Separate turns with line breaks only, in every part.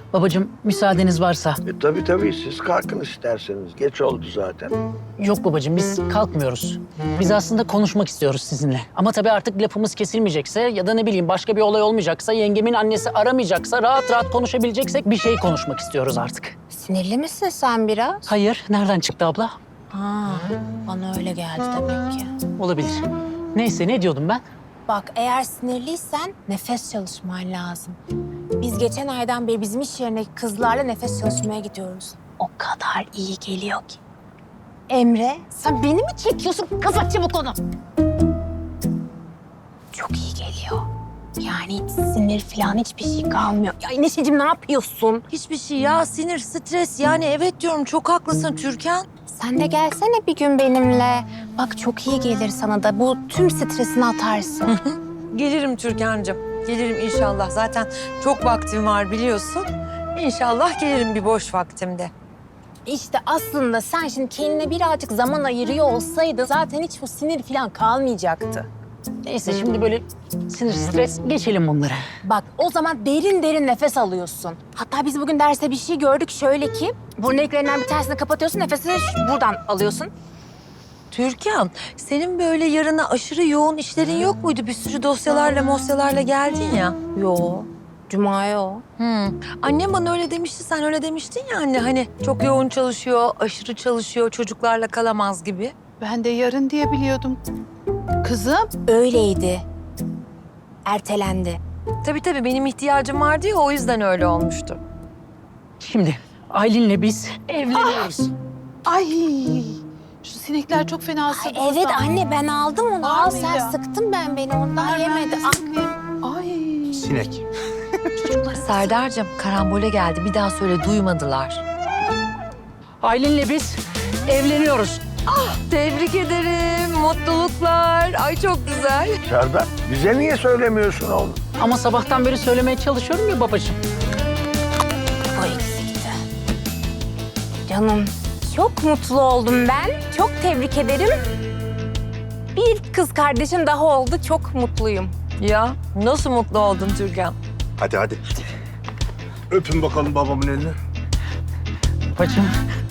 Babacığım müsaadeniz varsa.
Tabii siz kalkın isterseniz. Geç oldu zaten.
Yok babacığım biz kalkmıyoruz. Biz aslında konuşmak istiyoruz sizinle. Ama tabii artık lafımız kesilmeyecekse ya da ne bileyim başka bir olay olmayacaksa, yengemin annesi aramayacaksa, rahat rahat konuşabileceksek bir şey konuşmak istiyoruz artık.
Sinirli misin sen biraz?
Hayır, nereden çıktı abla?
Ha, bana öyle geldi demek ki.
Olabilir. Neyse ne diyordum ben?
Bak eğer sinirliysen nefes çalışman lazım. Biz geçen aydan beri bizim iş yerine kızlarla nefes çalışmaya gidiyoruz. O kadar iyi geliyor ki. Emre, sen beni mi çekiyorsun? Kapat çabuk onu. Çok iyi geliyor. Yani hiç sinir falan hiçbir şey kalmıyor. Ya Neşeciğim ne yapıyorsun?
Hiçbir şey ya, sinir, stres. Yani evet diyorum, çok haklısın Türkan.
Sen de gelsene bir gün benimle. Bak çok iyi gelir sana da. Bu tüm stresini atarsın.
Gelirim Türkan'cığım, gelirim inşallah. Zaten çok vaktim var biliyorsun. İnşallah gelirim bir boş vaktimde.
İşte aslında sen şimdi kendine birazcık zaman ayırıyor olsaydın zaten hiç bu sinir falan kalmayacaktı.
Neyse şimdi böyle sinir, stres geçelim bunları.
Bak o zaman derin derin nefes alıyorsun. Hatta biz bugün derste bir şey gördük şöyle ki burun deliklerinden bir tanesini kapatıyorsun, nefesini buradan alıyorsun.
Türkan, senin böyle yarına aşırı yoğun işlerin yok muydu? Bir sürü dosyalarla geldin ya.
Yo, Cuma'ya o.
Annem bana öyle demişti, sen öyle demiştin ya anne. Hani çok yoğun çalışıyor, aşırı çalışıyor, çocuklarla kalamaz gibi.
Ben de yarın diye biliyordum. Kızım.
Öyleydi. Ertelendi.
Tabii benim ihtiyacım vardı ya, o yüzden öyle olmuştu.
Şimdi Aylin'le biz evleniyoruz.
Ay. Şu sinekler çok fena
Ay,
ısırdı.
evet anne ben aldım onu. Al sen
Almayacağım.
sıktım ben beni ondan yemedi. Al.
Ay.
Sinek.
Serdar'cığım, karambole geldi. Bir daha söyle, duymadılar.
Aylin'le biz evleniyoruz.
Tebrik ederim, mutluluklar. Ay çok güzel.
Serdar, bize niye söylemiyorsun oğlum?
Ama sabahtan beri söylemeye çalışıyorum ya babacığım.
Bu eksikti. Canım çok mutlu oldum ben. Çok tebrik ederim. Bir kız kardeşim daha oldu. Çok mutluyum.
Ya nasıl mutlu oldun Türkan?
Hadi. Öpün bakalım babamın elini.
Babacığım.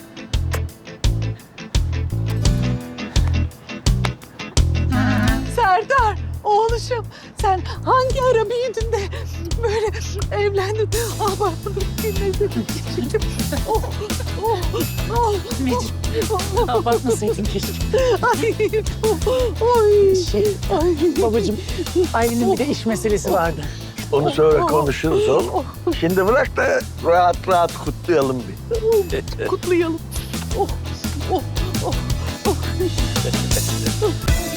Serdar, oğluşum. Sen hangi ara büyüdün de böyle evlendin? Ah bak bunu dinledim. Oh.
Abartmasaydın keşke.
Ay. Oy. Ay.
Babacığım, Aylin'in bir de iş meselesi vardı.
Onu sonra konuşuruz oğlum. Şimdi bırak da rahat kutlayalım bir.
Kutlayalım. Oh.